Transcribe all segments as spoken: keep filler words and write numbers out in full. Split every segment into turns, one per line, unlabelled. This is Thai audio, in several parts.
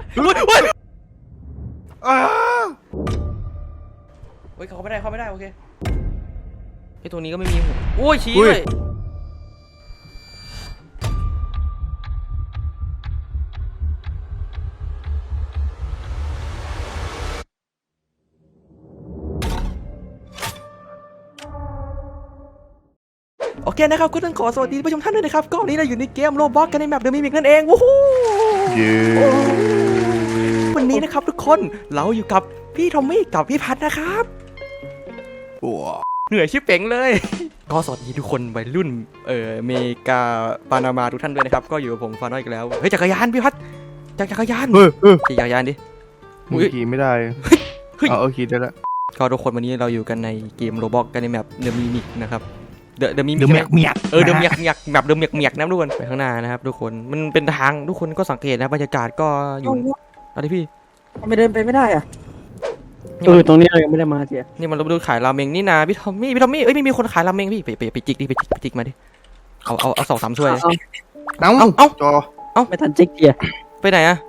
เฮ้ยเฮ้ย
อ้า
เฮ้ยเขาไม่ได้เขาไม่ได้โอเคไอ้ตัวนี้ก็ไม่มีหัวโอ้ยชี้เลยโอเคนะครับก็ต้องขอสวัสดีผู้ชมท่านด้วยนะครับก็วันนี้เราอยู่ในเกมโรบล็อกกันในแมปเดอะมิมิกนั่นเองวู้ฮู้
เย้
วันนี้นะครับทุกคนเราอยู่กับพี่ทอมมี่กับพี่พัทนะครับ
ปัว
เหนื่อยชิบเป๋งเลย ก็สวัสดีทุกคนวัยรุ่นเอ่อเมกาปานามาทุกท่านด้วยนะครับก็อยู่กับผมฟาน้อยกันแล้วเฮ้ยจักรยานพี่พัทจักรยาน
เฮ้ยเฮ้ย
ขี่จักรยานดิ
มึงขี่ไม่ได้
เฮ้ย
เอาเอาขี่ได้ละ
ก็ทุกคนวันนี้เราอยู่กันในเกมโรบล็อกกันในแมปเดอะมิมิกนะครับเดอะเดอะมิมิ
เดี๋ยว
ก
เมียกเมียก
เออเดอะเมียกเมียกแบบเดอะเมียกเมียกนะทุกคนไปข้างหน้านะครับทุกคนมันเป็นทางทุกคนก็สังเกตนะบรรยากาศก็อยู่อะไรพี่
ไม่เดินไปไม่ได้อะ
นี่
เอ
มั
อน ตรงนี้เรายังไม่ได้มาเจีย
นี่มันเราดูขายราเมงนี่นาพี่ทอมมี่พี่ทอมมี่เอ้ยไม่มีคนขายราเมงพี่ไปไปไปจิกดิไปจิกไปจิกมาดิเอาเอาเอาสองสามถ้วย
เอา
เอ้า
เอ้าเอ้า
จอ
ไม่ทันเจ๊กเจีย
ไปไหนอะ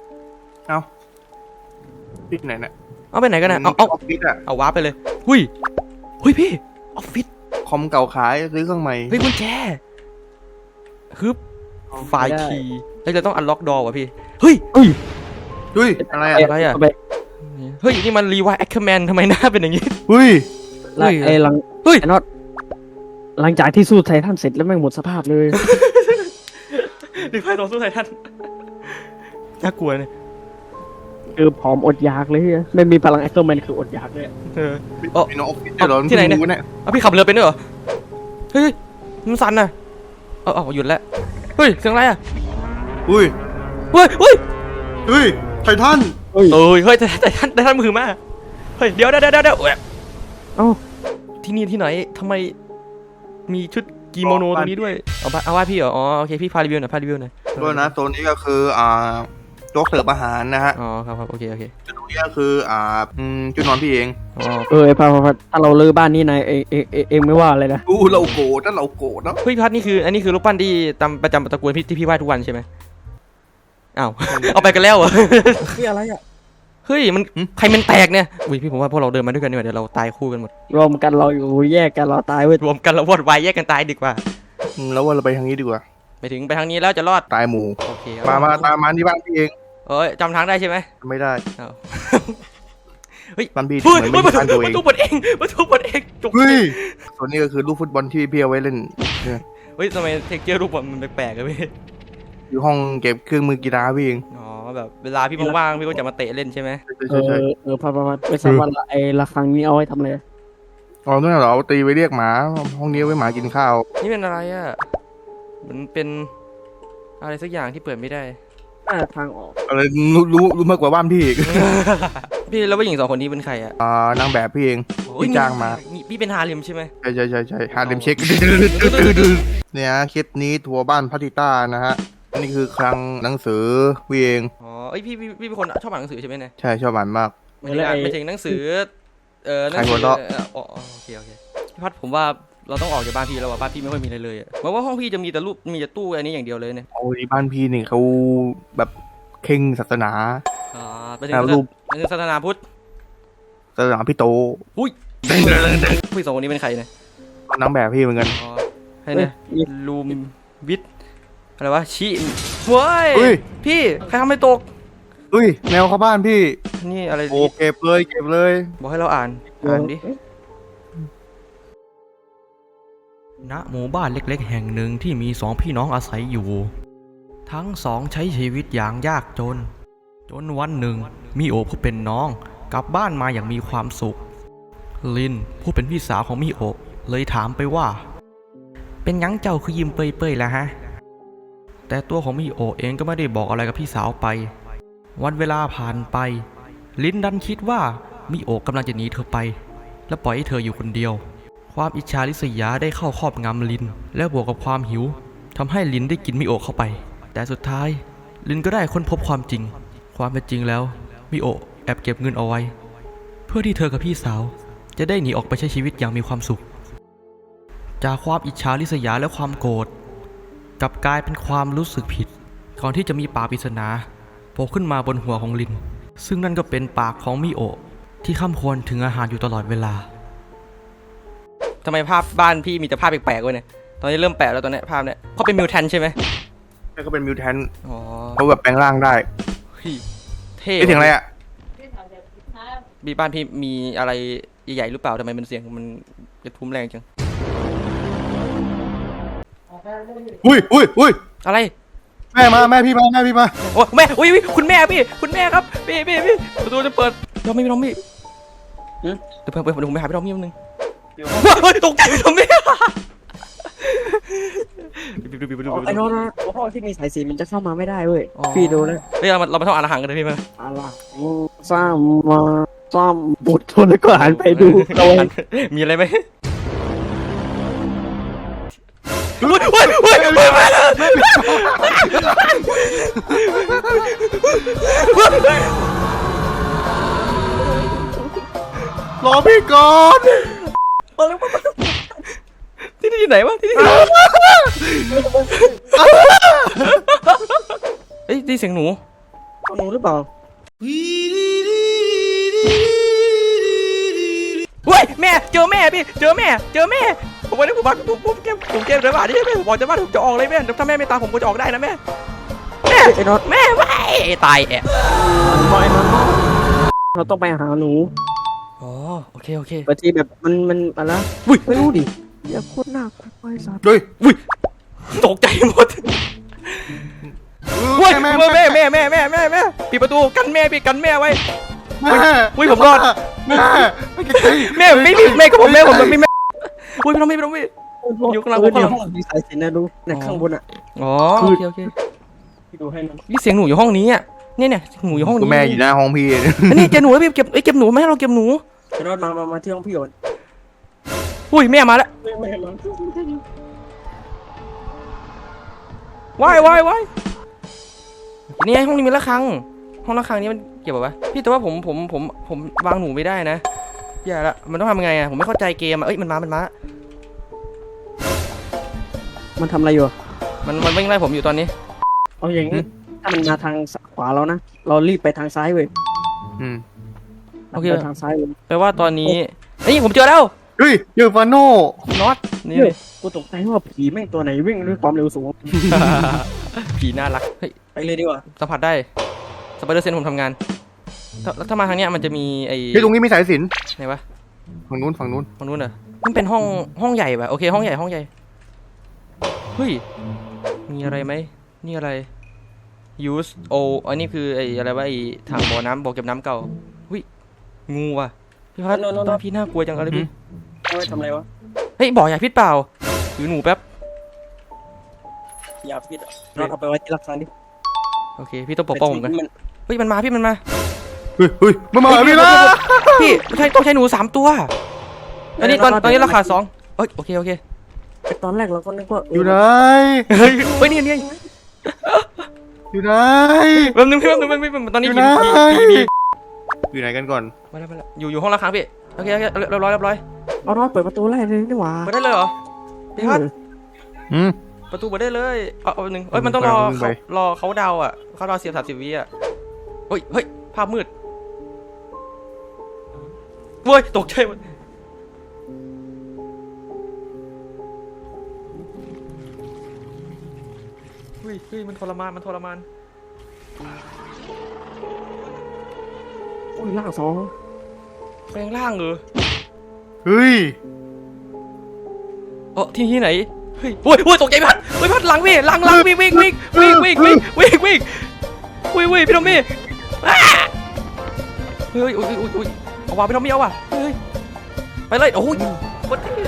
ปิดไหนน่ะ
เอาไปไหนกันนะเอาเอา
ออฟฟิศอะ
เอาวาร์ปไปเลยหุยหุยพี่ออฟฟิศ
คอมเก่าขายซื้อเครื่องใหม่
เฮ้ยกุญแจฮึบไฟล์คีย์เฮ้ยเราต้องอันล็อกดอร์ว่ะพี่เฮ้ย
เฮ้ย
เฮ้ยอะไรอะ
อะไรอะ
เาไป
เฮ้ยนี่มันรีวายแอคเคอร์แมนทำไมหน้าเป็นอย่างนี้
เฮ้ย
เฮ้ย
ไอ้หลัง
เฮ้ย
ไอ้น็อตหลังจากที่สู้ไททันเสร็จแล้วแม่งหมดสภาพเลย
รีวายต่อสู้ไททันน่ากลัวเนี่ย
คือผอมอดอยากเลยอะไม่มีพลังแอคเตอร์แมนคืออดอยากเลยอะ
เออ
มีน้องออฟฟิศด้วยเหรอ
ที่ไหนเนี่ย
ม่รู้เนี่ย
เอาพี่ขับเรือเป็นด้วยเหรอเฮ้ยมันสั่นน่ะเออเอาหยุดแล้วเฮ้ยเสียงอะไรอะ
อุ้ย
เฮ้ยเฮ้ย
เฮ้ยไททัน
เฮ้ย
เอ้ยเฮ้ยแต่แต่ท่านแต่ท่านมือมาเฮ้ยเดี๋ยวเดี๋ยวเดี๋ยวเดี๋ยว
เอ้า
ที่นี่ที่ไหนทำไมมีชุดกิโมโนตรงนี้ด้วยเอาเอาว่าพี่เหรออ๋อโอเคพี่พารีวิวหน่อยพารีวิวหน่อย
ด้วยนะโซนนี้ก็คืออ่าโจ๊กเสิร์ฟอาหารนะฮะ
อ๋อครับครับโอเคโอเค
จุดตรงนี้ก็คืออ่าอืมจุดนอนพี่เอง
อ๋อ
เออไอ้พาพาพาถ้าเราเลิกบ้านนี้นายเองเองเองเองไม่ว่าอะไรนะ
อู้เราโกรธถ้าเราโกรธเนาะ
เฮ้ยพัดนี่คืออันนี้คือรูปปั้นที่ตามประจำตระกูลพี่ที่พี่ไหว้ทุกวันใช่ไหมอ้าว เอาไปกันแล้วเหรอ
นี่อะไรอ่ะ
เฮ้ยมันใครมันแตกเนี่ยอุ้ยพี่ผมว่าพวกเราเดินมาด้วยกันดีกว่าเดี๋ยวเราตายคู่กันหมด
รวมกันเราอยู่แยกกันเราตายเว้ย
รวมกันเราวอดวายแยกกันตายดีกว่า
อืมแล้วว่าเราไปทางนี้ดีกว่า
ไปถึงไปทางนี้แล้วจะรอด
ตายหมู่
โอเค
มามาตามมาที่บ้านพี่เอง
เอ้ยจำทางได้ใช่ไหม
ไม่ได้
อ้าวเฮ้ย
บ้านพี่
เฮ้ย
เหมือน
เฮ้ย
ไม่
ประ
มี
ตู
บ้านตัวเอง
ประตูเปิดเองประตูเปิดเองจบ
เฮ้ยส่วนนี้ก็คือลูกฟุตบอลที่พี่เอาไว้เล่นเนี่ย
เฮ้ยทำไมเทคเจอร์รูปมันแปลกๆอะพี่
อยู่ห้องเก็บเครื่องมือกีฬาพี่เอง
อ๋อแบบเวลาพี่ว่างๆพี่ก็จะมาเตะเล่นใช่ไหม
ใช่
เอ
ใช่
อ
ใช่
เออพาพาพาไม่ทราบว่าไอ้ระฆังนี้เอาไว้ทำอะไร
อ๋อนั่นเหรอเอาตีไปเรียกหมาห้องนี้ไว้หมากินข้าว
นี่เป็นอะไรอ่ะมันเป็นอะไรสักอย่างที่เปิดไม่ได้
หน้าทางออก
อะไรรู้รู้รู้มากกว่าบ้านพี่อีก
พี่แล้วผู้หญิงสองคนนี้เป็นใครอ่ะ
อ่านางแบบพี่เองพี่จ้างมา
นี่พี่เป็นฮาเลมใช่ไหม
ใช่ใช่ใช่ใช่ฮาเลมเช็คเนี่ยคลิปนี้ทัวร์บ้านพัทิต้านะฮะนี่คือคลังหนังสือพี่เอง
อ๋อเอ้ยพี่พี่พี่เป็นคนชอบอ่านหนังสือใช่ไหมเนี่ย
ใช่ชอบอ่านมาก
หมายถึงอ่านหมายถึงหนังสือเออหนัง
ใครหั
สื
วเราะ
เอ่ออ๋ออ๋อโอเคโอเคพี่พัดผมว่าเราต้องออกจากบ้านพี่แล้วว่ะบ้านพี่ไม่ค่อยมีอะไรเลยอ่ะเพราะว่าห้องพี่จะมีแต่รูปมีแต่ตู้อันนี้อย่างเดียวเลยเนี่ย
โอ้ยบ้านพี่นี่เขาแบบเข่งศาสนา
อ่าไปถึง
อ่ารูป
ไปถึงศาสนาพุทธ
ศาสนาพี่โต
อุ้ยผู้หญิงสองคนนี้เป็นใครเนี่ย
นางแบบพี่เหมือนกัน
อ๋อให้เนี่ยลูมวิทอะไรวะชิเว้ย
เฮ้ย
พี่ใครทำให้ตก
อุ้ยแมวเข้าบ้านพี่
นี่อะไร
โอเก็บเลยเก็บเลย
บอกให้เราอ่านอ่านดิณหมู่บ้านเล็กๆแห่งหนึ่งที่มีสองพี่น้องอาศัยอยู่ ทั้งสองใช้ชีวิตอย่างยากจน จนวันหนึ่งมิโอะผู้เป็นน้องกลับบ้านมาอย่างมีความสุขลินผู้เป็นพี่สาวของมิโอะเลยถามไปว่าเป็นยังเจ้าคือยิ้มเปื่อยๆแล้วฮะแต่ตัวของมิโอะเองก็ไม่ได้บอกอะไรกับพี่สาวไปวันเวลาผ่านไปลินดันคิดว่ามิโอะกำลังจะหนีเธอไปและปล่อยให้เธออยู่คนเดียวความอิจฉาริษยาได้เข้าครอบงำลินและบวกกับความหิวทำให้ลินได้กินมิโอะเข้าไปแต่สุดท้ายลินก็ได้ค้นพบความจริงความเป็นจริงแล้วมิโอะแอบเก็บเงินเอาไว้เพื่อที่เธอกับพี่สาวจะได้หนีออกไปใช้ชีวิตอย่างมีความสุขจากความอิจฉาริษยาและความโกรธกลับกลายเป็นความรู้สึกผิดก่อนที่จะมีปากปริศนาผล่ขึ้นมาบนหัวของลินซึ่งนั่นก็เป็นปากของมิโอะที่ข้ามควรถึงอาหารอยู่ตลอดเวลา
ทำไมภาพบ้านพี่มีแต่ภาพแปลกๆเว้ยเนี่ยตอนนี้เริ่มแปลกแล้วตอนเนี้ยภาพเนี้ยเขาเป็นมิวแทนใช่ไหม
นี่ก็เป็นมิวแทน
อ๋อ
เขาแบบแปลงร่างได้
เฮ้ยเท่
ไม่ถึงอะไรอ่ะ
บีบ้านพี่มีอะไรใหญ่ๆหรือเปล่าทำไมมันเสียงมันกระทุ้มแรงจัง
อุ้ยอุ้ยอุ้ย
อะไร
แม่มาแม่พี่มาแม่พี่มา
โอ้แม่อุ้ยอุ๊ยคุณแม่พี่คุณแม่ครับพี่พี่พี่ประตูจะเปิดเราไม่มีน้องพี่เดี๋ยวเปิดเปิดผมไปหาพี่น้องพี่แป๊บนึงเฮ้ยตกใจพี่น้องพี่
ไอ้โน้ตนะห้องที่มีสายสีมันจะเข้ามาไม่ได้เว้ยพี่ดูเลย
เฮ้ยเรามาเรามาท่องอ่านอาหารกันเลยพี่มา
อะไรซ้ำมาซ้ำบุดทนแล้วก็หันไปดูเรา
มีอะไรไหมเฮ้ยเฮ้ยเฮ้ยเฮ้ย
รอพี่ก่อน
ที่นี่ที่ไหนวะที่นี่เฮ้ยได้เสียงหนู
หนูหรือเปล่า
เฮ้ยแม่เจอแม่พี่เจอแม่เจอแม่ผมวันนี้ผมบอกผมผมเกมผมเกมเดินผ่านนี่แม่ผมบอกจะว่าผมจะออกเลยแม่ถ้าแม่ไม่ตามผมก็จะออกได้นะแม่แม่
ไอ้โน้ต
แม่ไม่ตายแอะ
บอกไอ้โน้ตเราต้องไปหาหนู
อ๋อโอเคโอเค
บางทีแบบมันมันอะไร
อุ้ย
ไม่รู้ดิอย่าโคตรน่ากลัวไอ้สัตว์
ด้วย
อุ้ยตกใจหมดเฮ้ย
แม่
แม่แม่แม่แม่แม่แม่แม่ปิดประตูกันแม่พี่กันแม่ไว้
แม่
อุ้ยผมรอด
แม่ไม่ใช่
แม่ไม่มีแม่ก็ผมแม่ผมไม่มีแม่อุ้ยพี่น้องพี่พี่น้องพี่ อยู่ข้างหลัง
เในห้องมีสายสิญจนนะดูในข้างบนอ่ะ
อ๋อโอเคโอเค
พี่ดูให้มัน
นี่เสียงหนูอยู่ห้องนี้อ่ะเนี่ยเนี่ยหนูอยู่ห้อง
กู
นี้
แม่อยู่หน้าห้องพี่
อันนี้เก็บหนูแล้วพี่เก็บไอ้ยเก็บหนูไม่ให้เราเก็บหนู
ไอ้โน้ตมามามาที่ห้องพี่ก่อน
อุ้ยแม่มาแล้ว
ไม่ไม่มา
ว้ายว้ายว้ายนี่ไงห้องนี้มีระฆังห้องระฆังนี้มันเก็บแบบวะพี่แต่ว่าผมผมผมผมวางหนูไม่ได้นะอย่าละมันต้องทำยังไงอ่ะผมไม่เข้าใจเกมอ่ะเอ้ยมันมามันมา
มันทำอะไรอยู่
มันมันวิ่งไล่ผมอยู่ตอนนี้
เอาอย่างนี้ถ้ามันมาทางขวาเรานะเรารีบไปทางซ้ายเว้ย
อืม
โอเค
ไปทางซ้ายเลย
แปลว่าตอนนี้นี่ผมเจอแล้ว
เฮ้ยเจอฟาโน่
น็อตนี่
เฮ้ยกูตกใจว่าผีแม่งตัวไหนวิ่งด้วยความเร็วสูง
ผีน่ารักเฮ้ย
ไปเลยดีกว่า
สัมผัสได้สไปเดอร์เซนผมทำงานถ้าถ้ามาทางเนี้ยมันจะมีไอ้
เฮ้ยตรงนี้มีสายสิญจน
ไหนวะ
ฝั่งนู้นฝั่งนู้น
ตรงนู้นเหรอมันเป็นห้องห้องใหญ่ป่ะโอเคห้องใหญ่ห้องใหญ่เฮ้ยมีอะไรไหมนี่อะไร use o อันนี้คือไอ้อะไรวะไอ้ถังบ่อน้ำบ่อเก็บน้ำเก่าเฮ้ยงูว่ะพี่พัดบ้านพี่น่ากลัวจังอะไรพี่
เอาไว้ทำอะไรวะ
เฮ้ยบ่อยาพิษเปล่าถือหนูแป๊บ
อย่าพิษเราเอาไปไว้ที่รักษาดิ
โอเคพี่ต้องปกป้องผมกัน
มัน
เฮ้ยมันมาพี่มันมา
เฮ้ยเฮ้ยมามาพี่ละ
พี่ใช่ต้องใช้หนูสามตัวอันนี้ตอนตอนนี้ราคาสองเอ้ยโอเคโอเค
ตอนแรกเราก็นึกว่า
อยู่ไหน
เฮ้ยเฮ้ยนี่นี่
อยู่ไหน
แป๊บนึงพี่แป๊บนึงแป๊บนึงตอนนี้
อยู่
ผี
ไหน
ผีผี
อยู่ไหนกันก่อน
มาแล้วมาแล้วอยู่อยู่ห้องราคาพี่โอเคโอเคเรียบร้อยเรียบร้อย
เอาน้อยเปิดประตูไล่เลยนี่หว่า
เปิดได้เลยเหรอพี่พัด
อืม
ประตูเปิดได้เลยเอาเอาหนึ่งเอ้ยมันต้องรอ
เอาไป
เขารอเขาดาวอ่ะเขารอเสียบสามสิบวิอ่ะเฮ้ยเฮ้ยภาพมืดเว้ยตกใจหมดเฮ้ยเฮ้ยมันทรมานมันทรมาน
โอ้ยล่างสอง
แปลงร่างเหรอ
เฮ้ย
เออที่ที่ไหนเฮ้ยโอ้ยโอ้ยตกใจพัดเฮ้ยพัดหลังพี่หลังหลังวิ่งวิ่งวิ่งวิ่งวิ่งวิ่งวิ่งวิ่งวิ่งวิ่งพี่น้องมี่อ้าเฮ้ยอุ้ยอุ้ยอุ้ยเอาว่ะพี่น้องมี่เอาว่ะเฮ้ยไปเลยโอ้ยกดที่